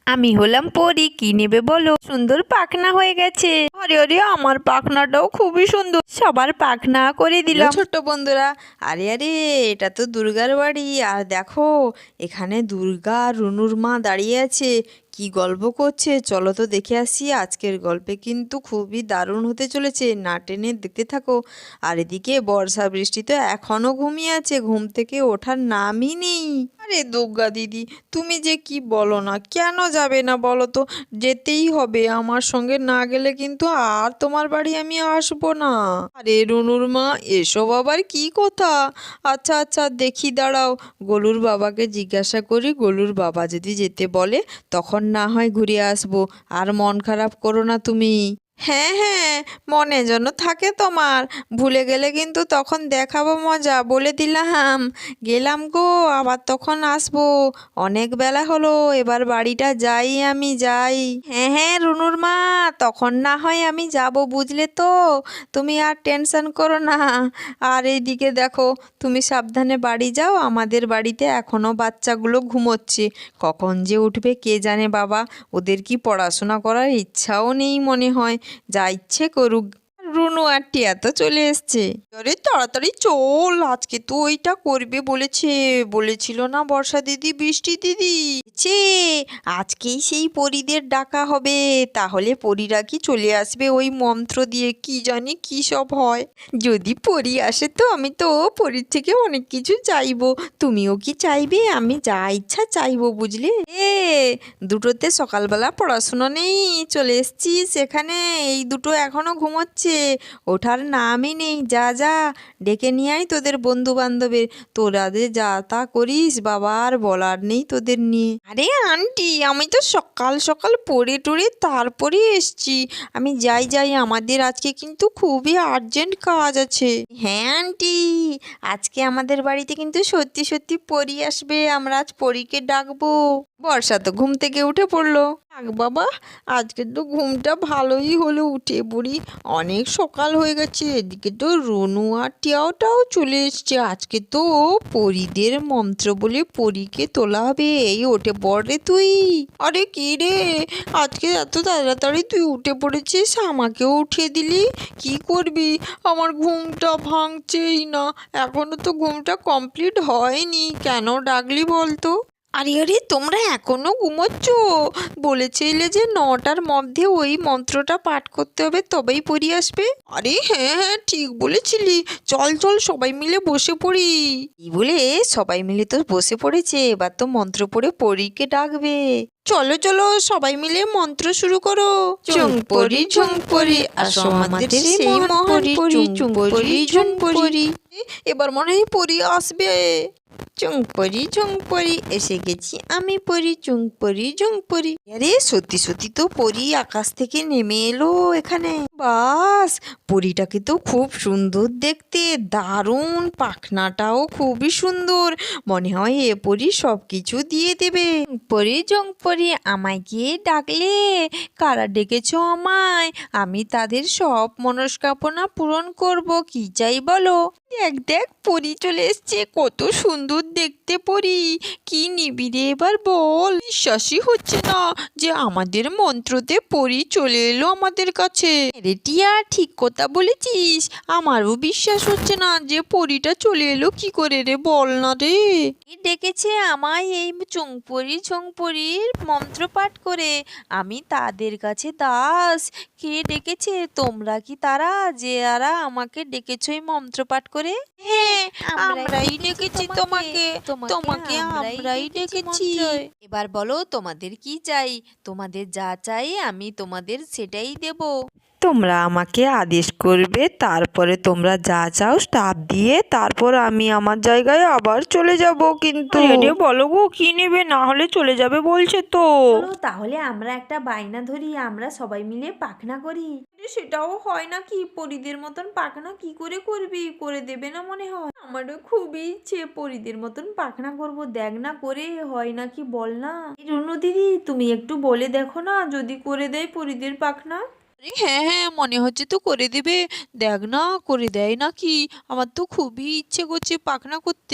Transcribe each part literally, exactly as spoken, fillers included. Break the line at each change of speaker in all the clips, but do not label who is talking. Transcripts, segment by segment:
আমি হলাম পরি, কি নেবে বলো? সুন্দর পাখনা হয়ে গেছে। আরে আরে আমার পাখনাটাও খুবই সুন্দর, সবার পাখনা করে দিলাম।
ছোট্ট বন্ধুরা, আরে আরে এটা তো দুর্গার বাড়ি। আর দেখো এখানে দুর্গা আর রুনুর মা দাঁড়িয়ে আছে, কি গল্প করছে। চলো তো দেখে আসি। আজকের গল্পে কিন্তু খুবই দারুণ হতে চলেছে, না টেনে দেখতে থাকো। আর এদিকে বর্ষা বৃষ্টি তো এখনো ঘুমিয়ে আছে, ঘুম থেকে ওঠার নামই নেই। আরে দুর্গা দিদি, তুমি যে কি বলো না, কেন যাবে না বলো তো? যেতেই হবে, আমার সঙ্গে না গেলে কিন্তু আর তোমার বাড়ি আমি আসবো না। আরে রুনুর মা, এসব আবার কি কথা? আচ্ছা আচ্ছা দেখি, দাঁড়াও, গোলুর বাবাকে জিজ্ঞাসা করি। গোলুর বাবা যদি যেতে বলে তখন না হয় ঘুরে আসবো। আর মন খারাপ করো না তুমি। হ্যাঁ হ্যাঁ, মনে যেন থাকে তোমার। ভুলে গেলে কিন্তু তখন দেখাবো মজা, বলে দিলাম। গেলাম গো, আবার তখন আসবো। অনেক বেলা হলো, এবার বাড়িটা যাই, আমি যাই। হ্যাঁ হ্যাঁ রুনুর মা, তখন না হয় আমি যাব, বুঝলে তো? তুমি আর টেনশন করো না। আর এইদিকে দেখো, তুমি সাবধানে বাড়ি যাও। আমাদের বাড়িতে এখনও বাচ্চাগুলো ঘুমোচ্ছে, কখন যে উঠবে কে জানে বাবা। ওদের কি পড়াশোনা করার ইচ্ছাও নেই মনে হয়, যা ইচ্ছে করুক। রুনু আর টিয়া তো চলে এসছে। আরে তাড়াতাড়ি চল, আজকে তো ওইটা করবে বলেছে, বলেছিল না বর্ষা দিদি, বৃষ্টি দিদি? ছে আজকেই সেই পরীদের ডাকা হবে, তাহলে পরীরা কি চলে আসবে ওই মন্ত্র দিয়ে, কি জানি কি সব হয়। যদি পরী আসে তো আমি তো পরীর থেকে অনেক কিছু চাইবো। তুমিও কি চাইবে? আমি যা ইচ্ছা চাইবো, বুঝলে? এ দুটোতে সকালবেলা পড়াশুনো নেই, চলে এসছি সেখানে। এই দুটো এখনো ঘুমোচ্ছে, ওঠার নামই নেই। যা যা ডেকে নিয়ে আয় তোদের বন্ধু বান্ধবের। তোরা যে যা তা করিস বাবা, আর বলার নেই তোদের নিয়ে। আরে আন্টি, আমি তো সকাল সকাল পড়ে টড়ে তারপরে এসছি। আমি যাই যাই, আমাদের আজকে কিন্তু খুবই আর্জেন্ট কাজ আছে। হ্যাঁ আন্টি, আজকে আমাদের বাড়িতে কিন্তু সত্যি সত্যি পরী আসবে, আমরা আজ পরীকে ডাকবো। বর্ষা তো ঘুম থেকে উঠে পড়লো। থাক বাবা, আজকে তো ঘুমটা ভালোই হলো, উঠে পড়ি। অনেক সকাল হয়ে গেছে, এদিকে তো রনু আর টিয়াওটাও চলে এসছে। আজকে তো পরীদের মন্ত্র বলে পরীকে তোলা হবে। এই ওঠে পড় রে তুই। আরে কি রে, আজকে এত তাড়াতাড়ি তুই উঠে পড়েছিস, আমাকেও উঠিয়ে দিলি। কি করবি, আমার ঘুমটা ভাঙছেই না। এখনো তো ঘুমটা কমপ্লিট হয়নি, কেন ডাকলি বলতো? আরে আরে তোমরা এখনো ঘুমোচ্ছ? বলেছিলে যে নটার মধ্যে ওই মন্ত্রটা পাঠ করতে হবে, তবেই পড়ি আসবে। আরে হ্যাঁ হ্যাঁ ঠিক বলেছিলি, চল চল সবাই মিলে বসে পড়ি। এই বলে সবাই মিলে তো বসে পড়েছে, এবার তো মন্ত্র পড়ে পরীকে ডাকবে। চলো চলো সবাই মিলে মন্ত্র শুরু করো। চুং পরি ঝুং পরি, আসো আমাদের সেই মহান পরি, চুং পরি ঝুং পরি। এবার মনে হয় পরি আসবে। চুং পরি ঝুং পরি, এসে গেছি আমি পরি, চুং পরি ঝুং পরি। আরে সত্যি সত্যি তো পরি আকাশ থেকে নেমে এলো এখানে। বাস, পরিটাকে তো খুব সুন্দর দেখতে, দারুণ, পাখনাটাও খুবই সুন্দর। মনে হয় এ পরি সব কিছু দিয়ে দেবে। পরি ঝুং পরি, আমায় গিয়ে ডাকলে? কারা ডেকেছ আমায়? আমি তাদের সব মনস্কামনা পূরণ করব, কি চাই বলো? দেখ দেখ পরি চলে এসছে, কত সুন্দর দেখতে পরি। কি নিবি রে এবার বল? বিশ্বাসই হচ্ছে না যে আমাদের মন্ত্রতে পরি চলে এলো আমাদের কাছে। রে টিয়া, ঠিক কথা বলেছিস, আমারও বিশ্বাস হচ্ছে না যে পরিটা চলে এলো কি করে রে, বল না রে। ডেকেছে আমায় এই চুংপরি ঝুংপরির মন্ত্র পাঠ করে, আমি তাদের কাছে দাস। কে ডেকেছে? তোমরা কি তারা যে আরা আমাকে ডেকেছো এই মন্ত্র পাঠ করে? হ্যাঁ, আমরাই ডেকেছি তোমাকে, তোমাকে আমরাই ডেকেছি। এবার বলো তোমাদের কি চাই? তোমাদের যা চাই আমি তোমাদের সেটাই দেব।
তোমরা আমাকে আদেশ করবে, তারপরে তোমরা যা চাও তা দিয়ে তারপর আমি আমার জায়গায় আবার চলে যাব। কিন্তু
আরে
বলো গো, কি নেবে? না হলে চলে যাবে বলছে তো।
চলো তাহলে আমরা একটা বায়না ধরি, আমরা সবাই মিলে পাখনা করি। সেটাও হয় নাকি? পরীদের মতন পাখনা কি করে করবি? করে দেবে না মনে হয়? আমারও খুবই ইচ্ছে পরীদের মতন পাখনা করব, দেখ না করে হয় নাকি বল না। রুনু দিদি, তুমি একটু বলে দেখো না, যদি করে দেয় পরীদের পাখনা। আরে হ্যাঁ হ্যাঁ, মনে হচ্ছে তো করে দেবে। দেখ না করে দেয় নাকি, আমার তো খুবই ইচ্ছে করছে পাখনা করতে।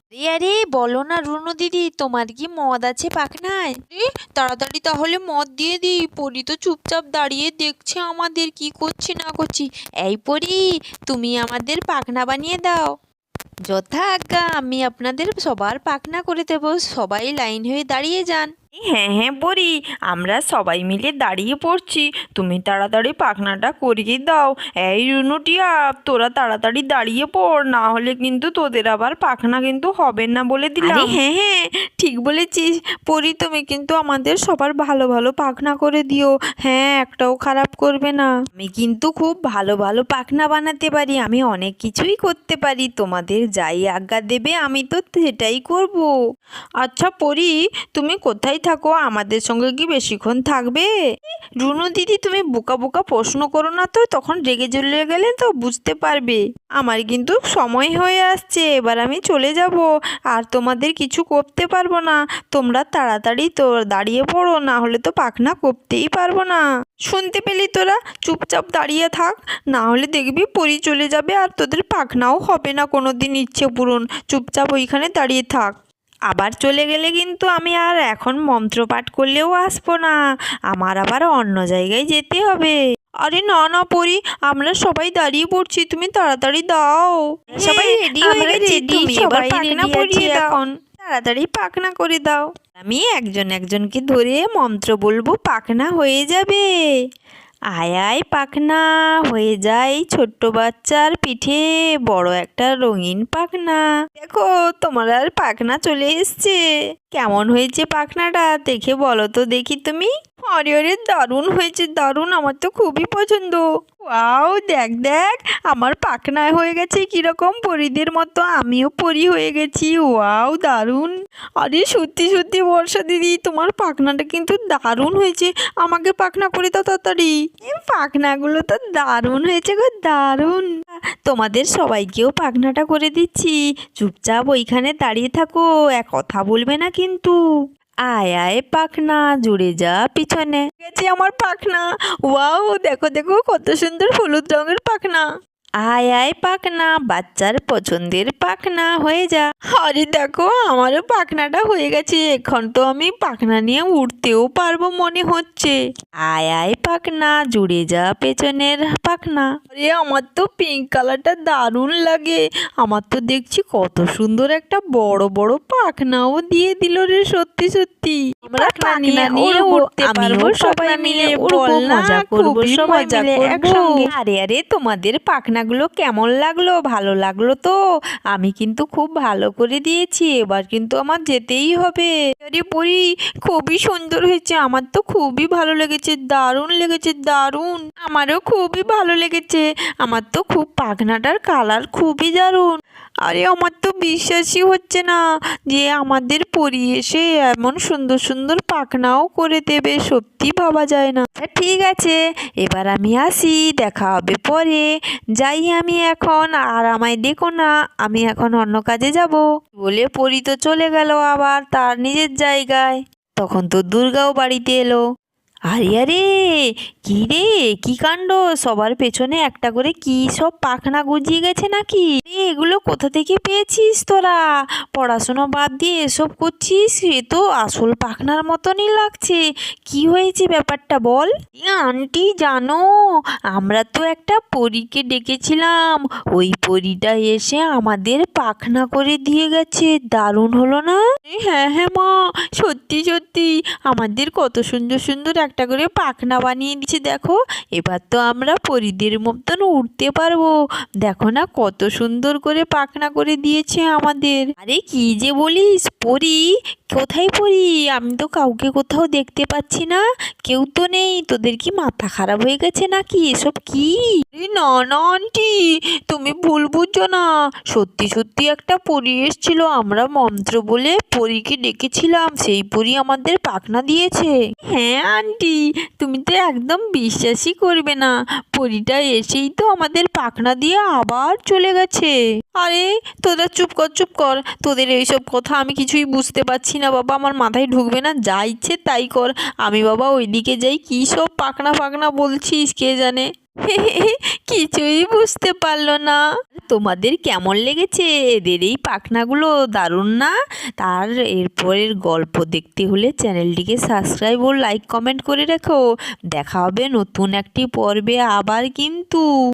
আরে আরে বলো না রুনু দিদি, তোমার কি মদ আছে পাখনায়? এ, তাড়াতাড়ি তাহলে মদ দিয়ে দিই। পরি তো চুপচাপ দাঁড়িয়ে দেখছে আমাদের কি করছি না করছি। এই পরি, তুমি আমাদের পাখনা বানিয়ে দাও। যথা আজ্ঞা, আমি আপনাদের সবার পাখনা করে দেবো। সবাই লাইন হয়ে দাঁড়িয়ে যান।
হ্যাঁ হ্যাঁ পরি, আমরা সবাই মিলে দাঁড়িয়ে পড়ছি, তুমি তাড়াতাড়ি পাখনাটা করিয়ে দাও। এই রুনুটিয়া, তোরা তাড়াতাড়ি দাঁড়িয়ে পড়, না হলে কিন্তু তোদের আবার পাখনা কিন্তু হবে না বলে দিলাম। হ্যাঁ হ্যাঁ ঠিক বলেছিস পরি, তুমি কিন্তু আমাদের সবার ভালো ভালো পাখনা করে দিও। হ্যাঁ, একটাও খারাপ করবে না। আমি কিন্তু খুব ভালো ভালো পাখনা বানাতে পারি, আমি অনেক কিছুই করতে পারি, তোমাদের যাই আজ্ঞা দেবে আমি তো সেটাই করব। আচ্ছা পরি, তুমি কোথায় থাকো? আমাদের সঙ্গে কি বেশিক্ষণ থাকবে? রুনু দিদি, তুমি বোকা বোকা প্রশ্ন করো না তো, তখন রেগে চলে গেলে তো বুঝতে পারবে। আমার কিন্তু সময় হয়ে আসছে, এবার আমি চলে যাব, আর তোমাদের কিছু করতে পারবো না। তোমরা তাড়াতাড়ি তো দাঁড়িয়ে পড়ো, না হলে তো পাখনা করতেই পারবো না। শুনতে পেলি তোরা? চুপচাপ দাঁড়িয়ে থাক, না হলে দেখবি পরি চলে যাবে আর তোদের পাখনাও হবে না কোনো দিন ইচ্ছে পূরণ। চুপচাপ ওইখানে দাঁড়িয়ে থাক। আবার চলে গেলে কিন্তু আমি আর এখন মন্ত্রপাঠ করলেও আসবো না, আমার আবার অন্য জায়গায় যেতে হবে। আরে না না পরি, আমরা সবাই দাঁড়িয়ে পড়ছি, তুমি তাড়াতাড়ি দাও। সবাই রেডি হয়ে গেছি, তুমি এবার পাখনা পরিয়ে দাও। এখন তাড়াতাড়ি পাখনা করে দাও। আমি একজন একজনকে ধরে মন্ত্র বলবো, পাখনা হয়ে যাবে। আয় আয় পাখনা হয়ে যায় ছোট্ট বাচ্চার পিঠে বড় একটা রঙিন পাখনা। দেখো তোমার আর পাখনা চলে এসছে। কেমন হয়েছে পাখনাটা দেখে বলো তো দেখি তুমি। আরে আরে দারুণ হয়েছে, দারুণ, আমার তো খুবই পছন্দ। ওয়াও, দেখ দেখ আমার পাখনা হয়ে গেছে কিরকম পরীদের মতো, আমিও পরী হয়ে গেছি। ওয়াও দারুণ। আরে সত্যি সত্যি বর্ষা দিদি, তোমার পাখনাটা কিন্তু দারুণ হয়েছে, আমাকে পাখনা করে দাও তাড়াতাড়ি। এই পাখনাগুলো তো দারুণ হয়েছে গো, দারুণ। তোমাদের সবাইকেও পাখনাটা করে দিচ্ছি, চুপচাপ ওইখানে দাঁড়িয়ে থাকো, এক কথা বলবে না কিন্তু। আয় আয় পাখনা জুড়ে যা পিছনে। গেছে আমার পাখনা। ওয়াও, দেখো দেখো কত সুন্দর হলুদ রঙের পাখনা। আয় আয় পাখনা বাচ্চার পছন্দের পাখনা হয়ে যা। আরে দেখো আমারও পাখনাটা হয়ে গেছে, এখন তো আমি পাখনা নিয়ে উঠতেও পারবো মনে হচ্ছে। আয় আয় পাখনা জুড়ে যা পেছনের পাখনা। আরে আমার তো পিঙ্ক কালারটা দারুণ লাগে, আমার তো দেখছি কত সুন্দর একটা বড় বড় পাখনাও দিয়ে দিল রে, সত্যি সত্যি। আমরা পাখনা নিয়ে উঠতে পারবো, সবাই মিলে উড়বো, মজা করবো, সবাই মিলে একসঙ্গে। আরে আরে তোমাদের পাখনাগুলো কেমন লাগলো? ভালো লাগলো তো? আমি কিন্তু খুব ভালো করে দিয়েছি, এবার কিন্তু আমার যেতেই হবে। আরে পরি, খুবই সুন্দর হয়েছে, আমার তো খুবই ভালো লেগেছে, দারুণ লেগেছে, দারুণ। আমারও খুবই ভালো লেগেছে, আমার তো খুব পাখনাটার কালার খুবই দারুণ। আরে আমার তো বিশ্বাসই হচ্ছে না যে আমাদের পরি এসে এমন সুন্দর সুন্দর পাখনাও করে দেবে, সত্যি ভাবা যায় না। ঠিক আছে, এবার আমি আসি, দেখা হবে পরে, যাই আমি এখন, আর আমায় দেখো না, আমি এখন অন্য কাজে যাব বলে পরি তো চলে গেল আবার তার নিজের জায়গায়। তখন তো দুর্গাও বাড়িতে এলো। আরে আরে কি রে, কি কাণ্ড, সবার পেছনে একটা করে কি সব পাখনা গজিয়ে গেছে নাকি? এ, এগুলো কোথা থেকে পেয়েছিস তোরা? পড়াশোনা বাদ দিয়ে এসব করছিস, এ তো আসল পাখনার মতনই লাগছে। কি হয়েছে ব্যাপারটা বল। আন্টি জানো, আমরা তো একটা পরীকে ডেকেছিলাম, ওই পরীটা এসে আমাদের পাখনা করে দিয়ে গেছে, দারুণ হলো না? হ্যাঁ হ্যাঁ মা, সত্যি সত্যি আমাদের কত সুন্দর সুন্দর একটা করে পাখনা বানিয়ে দিচ্ছে। দেখো এবার তো আমরা পরীদের মতন উঠতে পারবো, দেখো না কত সুন্দর করে পাখনা করে দিয়েছে আমাদের। আরে কি যে বলিস, পরী কোথায় পরী? আমি তো কাউকে কোথাও দেখতে পাচ্ছি না, কেউ তো নেই। তোদের কি মাথা খারাপ হয়ে গেছে নাকি? এসব কি? না না আন্টি, তুমি ভুল বুঝছো না, সত্যি সত্যি একটা পরী এসেছিল, আমরা মন্ত্র বলে পরীকে ডেকেছিলাম, সেই পরী আমাদের পাখনা দিয়েছে। হ্যাঁ আন্টি, তুমি তো একদম বিশ্বাসই করবে না, পরীটা এসেই তো আমাদের পাখনা দিয়ে আবার চলে গেছে। আরে তোরা চুপ কর চুপ কর, তোদের এইসব কথা আমি কিছুই বুঝতে পারছি না বাবা, আমার মাথায় ঢুকবে না, যা ইচ্ছে তাই কর। আমি বাবা ওইদিকে যাই, কী সব পাখনা পাখনা বলছিস কে জানে। কিছুই বুঝতে পারলো না। তোমাদের কেমন লেগেছে এদের এই পাখনাগুলো? দারুণ না? তার এরপরের গল্প দেখতে হলে চ্যানেলটিকে সাবস্ক্রাইব ও লাইক কমেন্ট করে রেখো। দেখা হবে নতুন একটি পর্বে আবার কিন্তু।